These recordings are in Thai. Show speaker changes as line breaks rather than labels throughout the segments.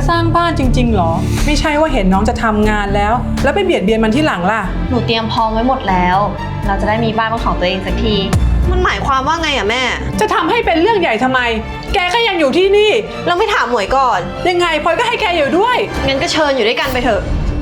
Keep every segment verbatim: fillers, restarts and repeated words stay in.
สร้างบ้านจริงๆหรอไม่ใช่ว่าเห็นน้องจะทำงานแล้วแล้วไปเบียดเบียนมันที่หลังล่ะ
หนูเตรียมพร้อมไว้หมดแล้วเราจะได้มีบ้านเป็นของตัวเองสักที
มันหมายความว่าไงอะแม่
จะทำให้เป็นเรื่องใหญ่ทำไมแกก็ยังอยู่ที่นี่
เราไม่ถามหมวยก่อน
ยังไงพลอยก็ให้แกอยู่ด้วย
งั้นก็เชิญอยู่ด้วยกันไปเถอะ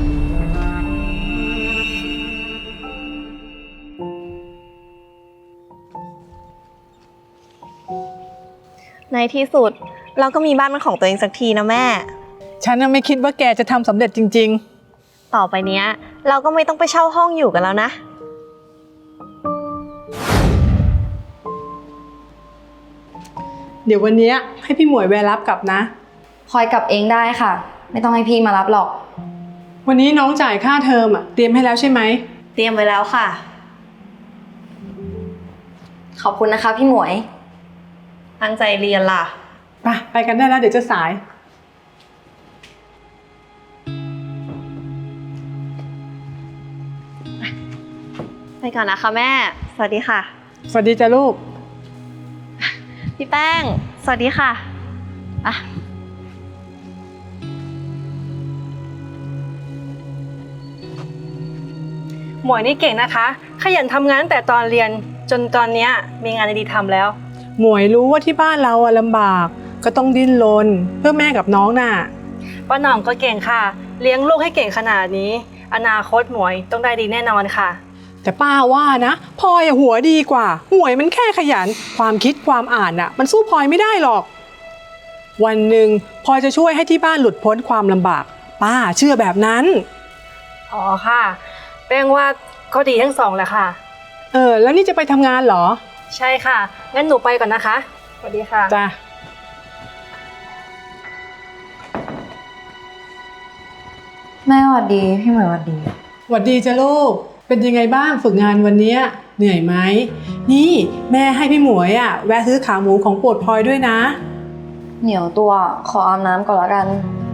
ในที่สุดเราก็มีบ้านเป็นของตัวเองสักทีนะแม่
ฉันไม่คิดว่าแกจะทำสำเร็จจริง
ๆต่อไปเนี้ยเราก็ไม่ต้องไปเช่าห้องอยู่กันแล้วนะ
เดี๋ยววันนี้ให้พี่หมวยแวะรับกลับนะ
พลอยกลับเองได้ค่ะไม่ต้องให้พี่มารับหรอก
วันนี้น้องจ่ายค่าเทอมอ่ะเตรียมให้แล้วใช่ไหม
เตรียมไว้แล้วค่ะ
ขอบคุณนะคะพี่หมวย
ตั้งใจเรียนล่ะ
ไปไปกันได้แล้วเดี๋ยวจะสาย
ไปก่อนนะคะแม่สวัสดีค่ะ
สวัสดีจ้ะลูก
พี่แป้งสวัสดีค่ะอ่ะ
หมวยนี่เก่งนะคะขยันทำงานตั้งแต่ตอนเรียนจนตอนนี้มีงานดีๆทำแล้ว
หมวยรู้ว่าที่บ้านเราอะลำบากก็ต้องดิ้นรนเพื่อแม่กับน้องน่ะ
ป้าหน่องก็เก่งค่ะเลี้ยงลูกให้เก่งขนาดนี้อนาคตหมวยต้องได้ดีแน่นอนค่ะ
แต่ป้าว่านะพลอยหัวดีกว่าหมวยมันแค่ขยันความคิดความอ่านน่ะมันสู้พลอยไม่ได้หรอกวันหนึ่งพลอยจะช่วยให้ที่บ้านหลุดพ้นความลำบากป้าเชื่อแบบนั้น
อ๋อค่ะแป้งว่าก็ดีทั้งสองแหละค่ะ
เออแล้วนี่จะไปทำงานเหรอ
ใช่ค่ะงั้นหนูไปก่อนนะคะสวัสดีค่ะ
จ้ะ
แม่สวัสดีพี่หมวยสวัสดี
สวัสดีจ้ะลูกเป็นยังไงบ้างฝึกงานวันนี้เหนื่อยไหมนี่แม่ให้พี่หมวยอ่ะแวะซื้อขาหมูของโปรดพลอยด้วยนะ
เหนียวตัวขออาบน้ำก่อนละกัน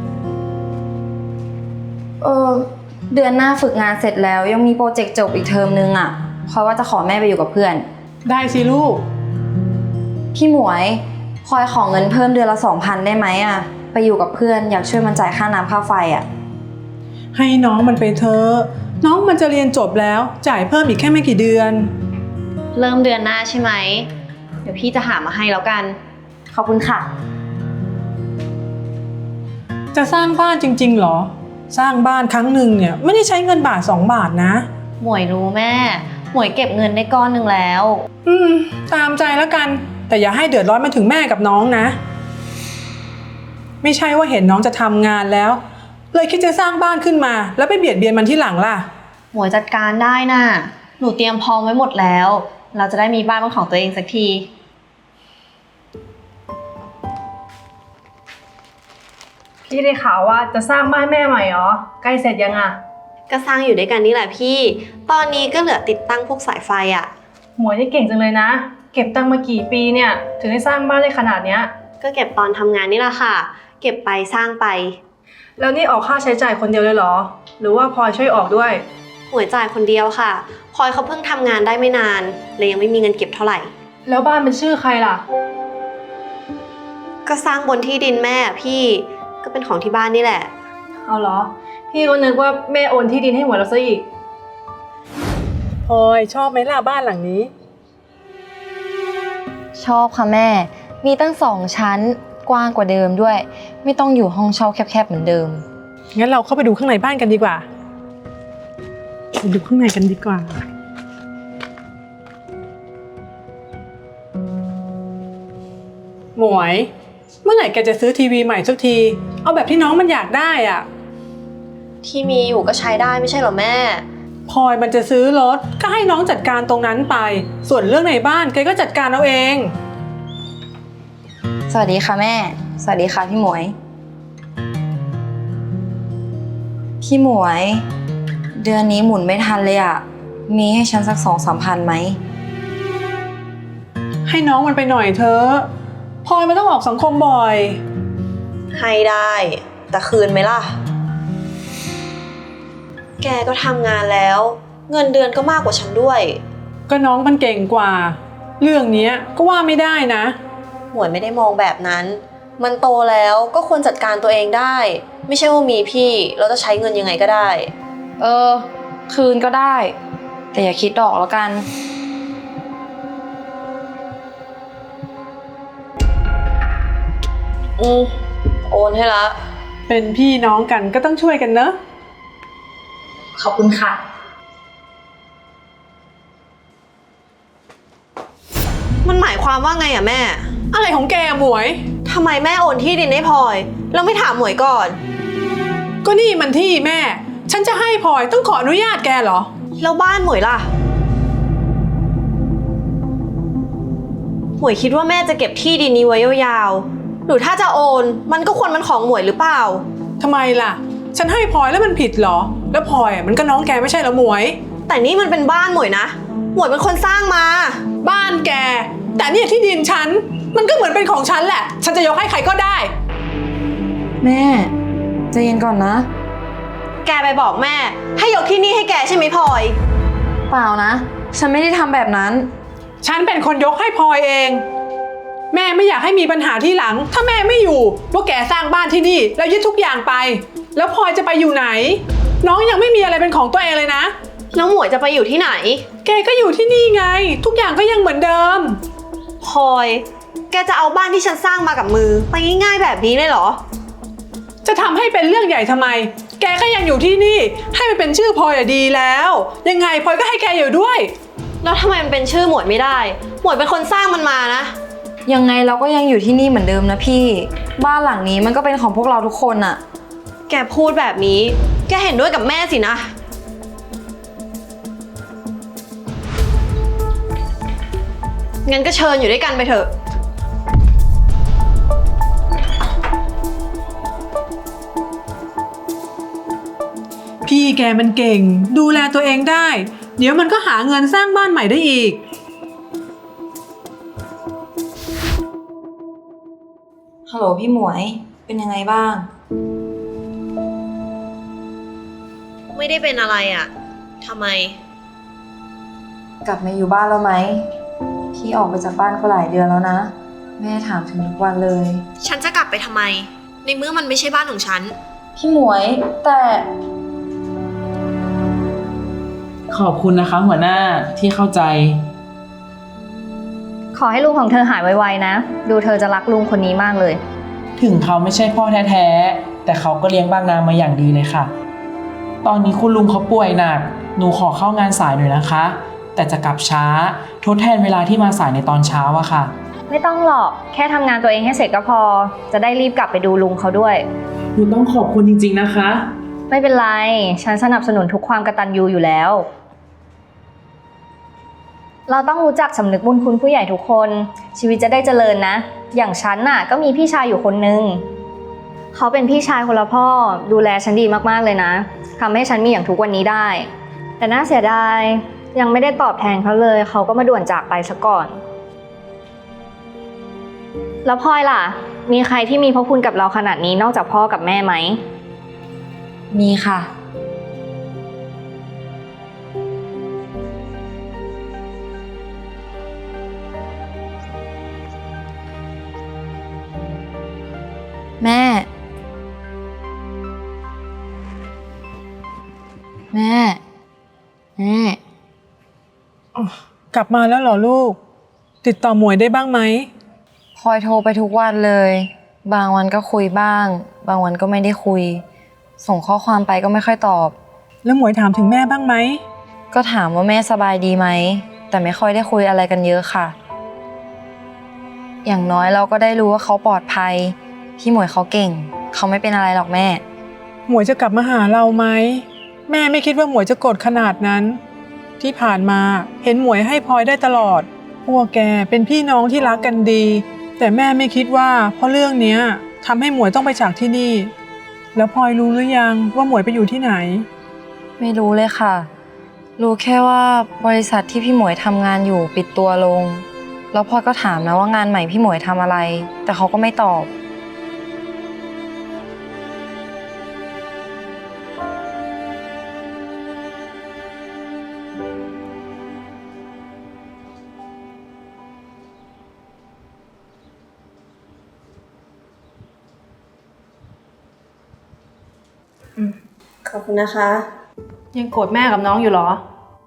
เออเดือนหน้าฝึกงานเสร็จแล้วยังมีโปรเจกต์จบอีกเทอมนึงอ่ะเพราะว่าจะขอแม่ไปอยู่กับเพื่อน
ได้สิลูก
พี่หมวยพลอยขอเงินเพิ่มเดือนละสองพันได้ไหมอ่ะไปอยู่กับเพื่อนอยากช่วยมันจ่ายค่าน้ำค่าไฟอ่ะ
ให้น้องมันไปเถอะน้องมันจะเรียนจบแล้วจ่ายเพิ่มอีกแค่ไม่กี่เดือน
เริ่มเดือนหน้าใช่ไหมเดี๋ยวพี่จะหามาให้แล้วกัน
ขอบคุณค่ะ
จะสร้างบ้านจริงๆหรอสร้างบ้านครั้งหนึ่งเนี่ยไม่ได้ใช้เงินบาทสองบาทนะ
หมวยรู้แม่หมวยเก็บเงินได้ก้อนหนึ่งแล้ว
อืมตามใจแล้วกันแต่อย่าให้เดือดร้อนมาถึงแม่กับน้องนะไม่ใช่ว่าเห็นน้องจะทำงานแล้วเลยคิดจะสร้างบ้านขึ้นมาแล้วไปเบียดเบียนมันที่หลังล่ะ
หมวยจัดการได้น่ะหนูเตรียมพร้อมไว้หมดแล้วเราจะได้มีบ้านเป็นของตัวเองสักที
พี่ได้ข่าวว่าจะสร้างบ้านแม่ใหม่เหรอใกล้เสร็จยังอะ
ก็สร้างอยู่ด้วยกันนี่แหละพี่ตอนนี้ก็เหลือติดตั้งพวกสายไฟอะ
หมวยนี่เก่งจังเลยนะเก็บตังค์มากี่ปีเนี่ยถึงได้สร้างบ้านได้ขนาดเนี้ย
ก็เก็บตอนทำงานนี่แหละค่ะเก็บไปสร้างไป
แล้วนี่ออกค่าใช้จ่ายคนเดียวเลยเหรอหรือว่าพลอยช่วยออกด้วย
หมวยจ่ายคนเดียวค่ะพลอยเขาเพิ่งทำงานได้ไม่นานเลยยังไม่มีเงินเก็บเท่าไหร่
แล้วบ้านเป็นชื่อใครล่ะ
ก็สร้างบนที่ดินแม่พี่ก็เป็นของที่บ้านนี่แหละ
เอาเหรอพี่ก็นึกว่าแม่โอนที่ดินให้หมวยแล้วซะอีก
พลอยชอบไหมล่ะบ้านหลังนี้
ชอบค่ะแม่มีตั้งสองชั้นกว้างกว่าเดิมด้วยไม่ต้องอยู่ห้องเช่าแคบๆเหมือนเดิม
งั้นเราเข้าไปดูข้างในบ้านกันดีกว่าไปดูข้างในกันดีกว่าหมวยเมื่อไหร่แกจะซื้อทีวีใหม่สักทีเอาแบบที่น้องมันอยากได้อ่ะ
ที่มีอยู่ก็ใช้ได้ไม่ใช่หรอแม่
พลอยมันจะซื้อรถก็ให้น้องจัดการตรงนั้นไปส่วนเรื่องในบ้านแกก็จัดการเอาเอง
สวัสดีค่ะแม่สวัสดีค่ะพี่หมวยพี่หมวยเดือนนี้หมุนไม่ทันเลยอ่ะมีให้ฉันสักสองสามพันไหม
ให้น้องมันไปหน่อยเถอะพลอยมันต้องออกสังคมบ่อย
ให้ได้แต่คืนไหมล่ะแกก็ทำงานแล้วเงินเดือนก็มากกว่าฉันด้วย
ก็น้องมันเก่งกว่าเรื่องนี้ก็ว่าไม่ได้นะ
หมวยไม่ได้มองแบบนั้นมันโตแล้วก็ควรจัดการตัวเองได้ ไม่ใช่ว่ามีพี่เราจะใช้เงินยังไงก็ได้
เออ คืนก็ได้ แต่อย่าคิดดอกแล้วกัน
อืมโอนให้ละ
เป็นพี่น้องกันก็ต้องช่วยกันเนอะ
ขอบคุณค่ะ
มันหมายความว่าไงอะแม่
อะไรของแกอะหมวย
ทำไมแม่โอนที่ดินให้พลอยแล้วไม่ถามหมวยก่อน
ก็นี่มันที่แม่ ฉันจะให้พลอยต้องขออนุญาตแกเหรอ
แล้วบ้านหมวยล่ะ หมวยคิดว่าแม่จะเก็บที่ดินนี้ไว้ยาวๆ หรือถ้าจะโอนมันก็ควรมันของหมวยหรือเปล่า
ทำไมล่ะ ฉันให้พลอยแล้วมันผิดเหรอ แล้วพลอยอะมันก็น้องแกไม่ใช่เหรอหมวย
แต่นี่มันเป็นบ้านหมวยนะ หมวยเป็นคนสร้างมา
บ้านแก แต่เนี่ยที่ดินฉัน มันก็เหมือนเป็นของฉันแหละ ฉันจะยกให้ใครก็ได้
แม่ใจเย็นก่อนนะ
แกไปบอกแม่ ให้ยกที่นี่ให้แกใช่ไหมพลอย
เปล่านะ ฉันไม่ได้ทำแบบนั้น
ฉันเป็นคนยกให้พลอยเอง แม่ไม่อยากให้มีปัญหาที่หลัง ถ้าแม่ไม่อยู่ว่าแกสร้างบ้านที่นี่แล้วยึดทุกอย่างไป แล้วพลอยจะไปอยู่ไหน น้องยังไม่มีอะไรเป็นของตัวเองเลยนะ
แล้วหมวยจะไปอยู่ที่ไหน
แกก็อยู่ที่นี่ไง ทุกอย่างก็ยังเหมือนเดิม
พลอย แกจะเอาบ้านที่ฉันสร้างมากับมือไปง่ายๆแบบนี้เลยเหรอ
จะทำให้เป็นเรื่องใหญ่ทำไม แกก็ยังอยู่ที่นี่ ให้มันเป็นชื่อพลอยอะดีแล้ว ยังไงพลอยก็ให้แกอยู่ด้วย
แล้วทำไมมันเป็นชื่อหมวยไม่ได้ หมวยเป็นคนสร้างมันมานะ
ยังไงเราก็ยังอยู่ที่นี่เหมือนเดิมนะพี่ บ้านหลังนี้มันก็เป็นของพวกเราทุกคนอะ
แกพูดแบบนี้ แกเห็นด้วยกับแม่สินะ งั้นก็เชิญอยู่ด้วยกันไปเถอะ
พี่แกมันเก่ง ดูแลตัวเองได้ เดี๋ยวมันก็หาเงินสร้างบ้านใหม่ได้อีก
ฮัลโหลพี่หมวย เป็นยังไงบ้าง
ไม่ได้เป็นอะไรอะ่ะทำไม
กลับมาอยู่บ้านแล้วไหม พี่ออกไปจากบ้านก็หลายเดือนแล้วนะ แม่ถามถึงทุกวันเลย
ฉันจะกลับไปทำไม ในเมื่อมันไม่ใช่บ้านของฉัน
พี่หมวยแต่
ขอบคุณนะคะหัวหน้าที่เข้าใจ
ขอให้ลุงของเธอหายไวๆนะ ดูเธอจะรักลุงคนนี้มากเลย
ถึงเขาไม่ใช่พ่อแท้ๆแต่เขาก็เลี้ยงบางนามาอย่างดีเลยค่ะ ตอนนี้คุณลุงเขาป่วยหนักหนูขอเข้างานสายหน่อยนะคะ แต่จะกลับช้าทดแทนเวลาที่มาสายในตอนเช้าอะค่ะ
ไม่ต้องหรอก แค่ทำงานตัวเองให้เสร็จก็พอ จะได้รีบกลับไปดูลุงเขาด้วย
หนูต้องขอบคุณจริงๆนะคะ
ไม่เป็นไร ฉันสนับสนุนทุกความกตัญญูอยู่แล้ว เราต้องรู้จักสำนึกบุญคุณผู้ใหญ่ทุกคน ชีวิตจะได้เจริญนะ อย่างฉันน่ะก็มีพี่ชายอยู่คนนึง เขาเป็นพี่ชายคนละพ่อ ดูแลฉันดีมากๆเลยนะทำให้ฉันมีอย่างทุกวันนี้ได้ แต่น่าเสียดายยังไม่ได้ตอบแทนเขาเลย เขาก็มาด่วนจากไปซะก่อน แล้วพลอยล่ะ มีใครที่มีพระคุณกับเราขนาดนี้นอกจากพ่อกับแม่ไหม
มีค่ะ แม่ แม่ แม่
กลับมาแล้วเหรอลูก ติดต่อหมวยได้บ้างไหม
พลอยโทรไปทุกวันเลย บางวันก็คุยบ้าง บางวันก็ไม่ได้คุย ส่งข้อความไปก็ไม่ค่อยตอบ
แล้วหมวยถามถึงแม่บ้างไหม
ก็ถามว่าแม่สบายดีไหม แต่ไม่ค่อยได้คุยอะไรกันเยอะค่ะ อย่างน้อยเราก็ได้รู้ว่าเขาปลอดภัย พี่หมวยเขาเก่ง เขาไม่เป็นอะไรหรอกแม่
หมวยจะกลับมาหาเราไหม แม่ไม่คิดว่าหมวยจะโกรธขนาดนั้น ที่ผ่านมาเห็นหมวยให้พลอยได้ตลอด พวกแกเป็นพี่น้องที่รักกันดี แต่แม่ไม่คิดว่าเพราะเรื่องเนี้ยทำให้หมวยต้องไปจากที่นี่ แล้วพลอยรู้หรือยังว่าหมวยไปอยู่ที่ไหน
ไม่รู้เลยค่ะ รู้แค่ว่าบริษัทที่พี่หมวยทำงานอยู่ปิดตัวลง แล้วพลอยก็ถามนะว่างานใหม่พี่หมวยทำอะไร แต่เขาก็ไม่ตอบ
ขอบคุณนะคะ
ยังโกรธแม่กับน้องอยู่เหรอ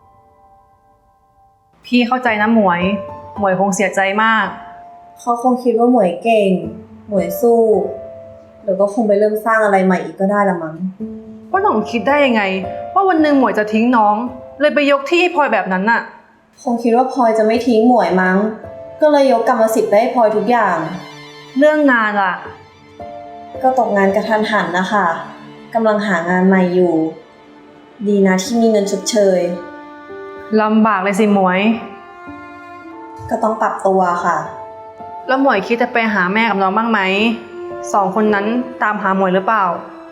พี่เข้าใจนะหมวย หมวยคงเสียใจมาก
เขาคงคิดว่าหมวยเก่ง หมวยสู้เดี๋ยวก็คงไปเริ่มสร้างอะไรใหม่อีกก็ได้ละมั้ง
ว่าหน่องคิดได้ยังไง ว่าวันหนึ่งหมวยจะทิ้งน้อง เลยไปยกที่ให้พลอยแบบนั้นน่ะ
คงคิดว่าพลอยจะไม่ทิ้งหมวยมั้ง ก็เลยยกกรรมสิทธิ์ไปให้พลอยทุกอย่าง
เรื่องงานล่ะ
ก็ตกงานกระทันหันนะคะกำลังหางานใหม่อยู่ ดีนะที่มีเงินชดเชย
ลำบากเลยสิหมวย
ก็ต้องปรับตัวค่ะ
แล้วหมวยคิดจะไปหาแม่กับน้องบ้างไหม สองคนนั้นตามหาหมวยหรือเปล่า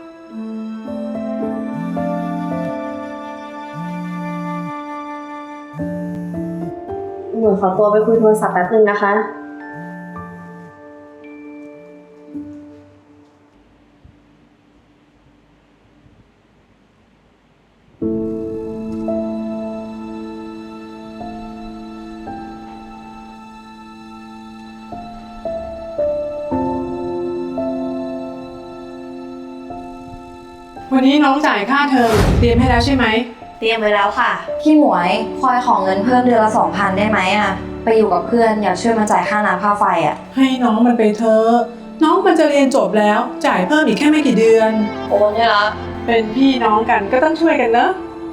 หมวยขอตัวไปคุยโทรศัพท์แป๊บนึงนะคะ
วันนี้น้องจ่ายค่าเทอมเตรียมให้แล้วใช่ไหม
เตรียมไว้แล้วค่ะ
พี่หมวยพลอยขอเงินเพิ่มเดือนละสองพันได้ไหมอะไปอยู่กับเพื่อนอยากช่วยมาจ่ายค่าน้ำค่าไฟอะ
ให้น้องมันไปเถอะน้องมันจะเรียนจบแล้ว จ่ายเพิ่มอีกแค่ไม่กี่เดือน
โอนได้ละ
เป็นพี่น้องกันก็ต้องช่วยกันเนอะ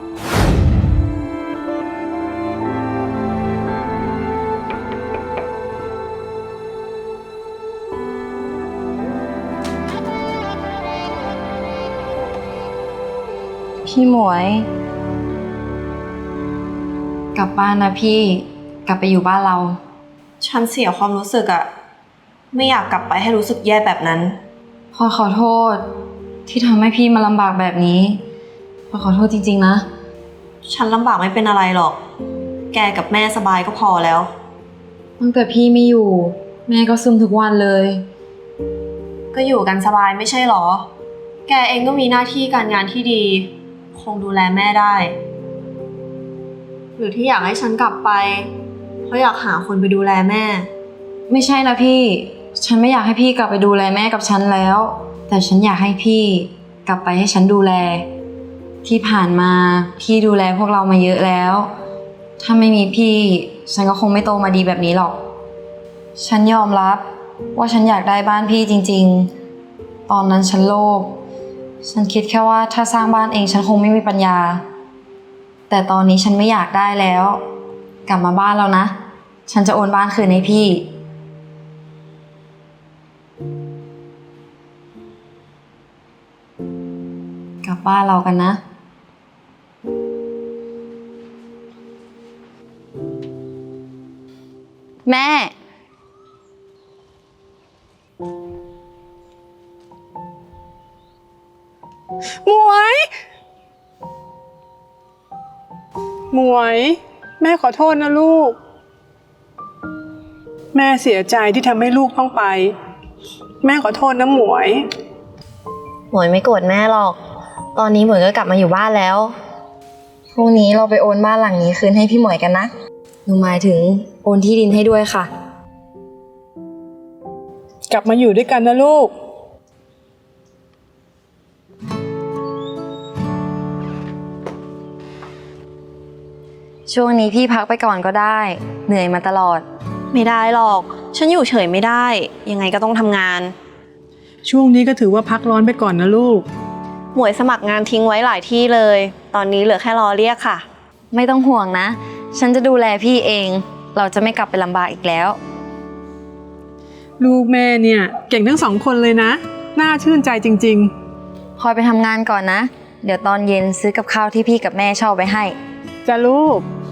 พี่หมวย กลับบ้านนะพี่กลับไปอยู่บ้านเรา
ฉันเสียความรู้สึกอะไม่อยากกลับไปให้รู้สึกแย่แบบนั้น
พลอยขอโทษที่ทำให้พี่มาลำบากแบบนี้พลอยขอโทษจริงๆนะ
ฉันลำบากไม่เป็นอะไรหรอก แกกับแม่สบายก็พอแล้ว
ตั้งแต่พี่ไม่อยู่ แม่ก็ซึมทุกวันเลย
ก็อยู่กันสบายไม่ใช่หรอ แกเองก็มีหน้าที่การงานที่ดี คงดูแลแม่ได้ หรือที่อยากให้ฉันกลับไป เพราะอยากหาคนไปดูแลแม่
ไม่ใช่นะพี่ ฉันไม่อยากให้พี่กลับไปดูแลแม่กับฉันแล้ว แต่ฉันอยากให้พี่กลับไปให้ฉันดูแล ที่ผ่านมาพี่ดูแลพวกเรามาเยอะแล้ว ถ้าไม่มีพี่ฉันก็คงไม่โตมาดีแบบนี้หรอก ฉันยอมรับว่าฉันอยากได้บ้านพี่จริงๆ ตอนนั้นฉันโลภ ฉันคิดแค่ว่าถ้าสร้างบ้านเองฉันคงไม่มีปัญญา แต่ตอนนี้ฉันไม่อยากได้แล้ว กลับมาบ้านแล้วนะ ฉันจะโอนบ้านคืนให้พี่ กลับบ้านเรากันนะ แม่
หมวย หมวย แม่ขอโทษนะลูก แม่เสียใจที่ทำให้ลูกต้องไป แม่ขอโทษนะหมวย
หมวยไม่โกรธแม่หรอก ตอนนี้หมวยก็กลับมาอยู่บ้านแล้ว
พรุ่งนี้เราไปโอนบ้านหลังนี้คืนให้พี่หมวยกันนะ หนูหมายถึงโอนที่ดินให้ด้วยค่ะ
กลับมาอยู่ด้วยกันนะลูก
ช่วงนี้พี่พักไปก่อนก็ได้ เหนื่อยมาตลอด
ไม่ได้หรอก ฉันอยู่เฉยไม่ได้ ยังไงก็ต้องทำงาน
ช่วงนี้ก็ถือว่าพักร้อนไปก่อนนะลูก
หมวยสมัครงานทิ้งไว้หลายที่เลย ตอนนี้เหลือแค่รอเรียกค่ะ
ไม่ต้องห่วงนะ ฉันจะดูแลพี่เอง เราจะไม่กลับไปลำบากอีกแล้ว
ลูกแม่เนี่ยเก่งทั้งสองคนเลยนะ น่าชื่นใจจริง
คอยไปทำงานก่อนนะ เดี๋ยวตอนเย็นซื้อกับข้าวที่พี่กับแม่ชอบไปให้
ๆ จะลูก